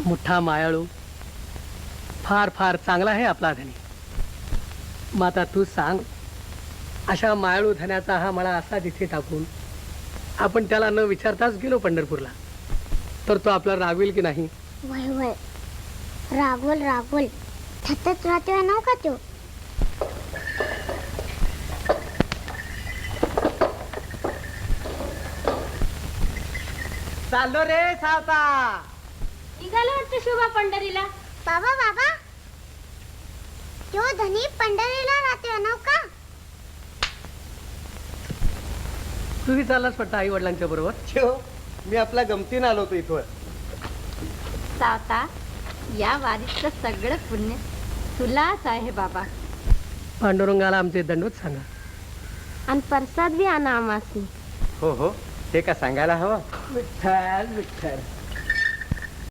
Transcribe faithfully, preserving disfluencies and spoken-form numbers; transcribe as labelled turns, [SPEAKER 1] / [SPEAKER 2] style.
[SPEAKER 1] मोठा मायाळू, फार फार चांगला आहे आपला धनी. माता तू सांग, अशा मायाळू धन्याचा हा मळा असा तिथे टाकून आपण त्याला न विचारताच गेलो पंढरपूरला, तर तो आपला रागवेल की नाही?
[SPEAKER 2] वय वय रागवल रागवल सतत राहतोय नाव का तो.
[SPEAKER 1] चाललो रे सावता.
[SPEAKER 3] निघालो वाटतं शोभा पंढरीला.
[SPEAKER 2] बाबा बाबा तो धनी पंढरीला राहतोय नाव का.
[SPEAKER 1] तुम्ही चाललास वाटतं आई वडिलांच्या बरोबर?
[SPEAKER 4] मी आपल्या गमतीनं आलो होतो इथं.
[SPEAKER 3] सावता, या वारीचं सगळं पुण्य तुलाच आहे बाबा.
[SPEAKER 1] पांडुरंगाला आमचे दंडवत सांगा.
[SPEAKER 3] आणि प्रसाद बी आणा आमासनी.
[SPEAKER 4] हो हो, ते का सांगायला हवं.
[SPEAKER 1] विठ्ठल विठ्ठल.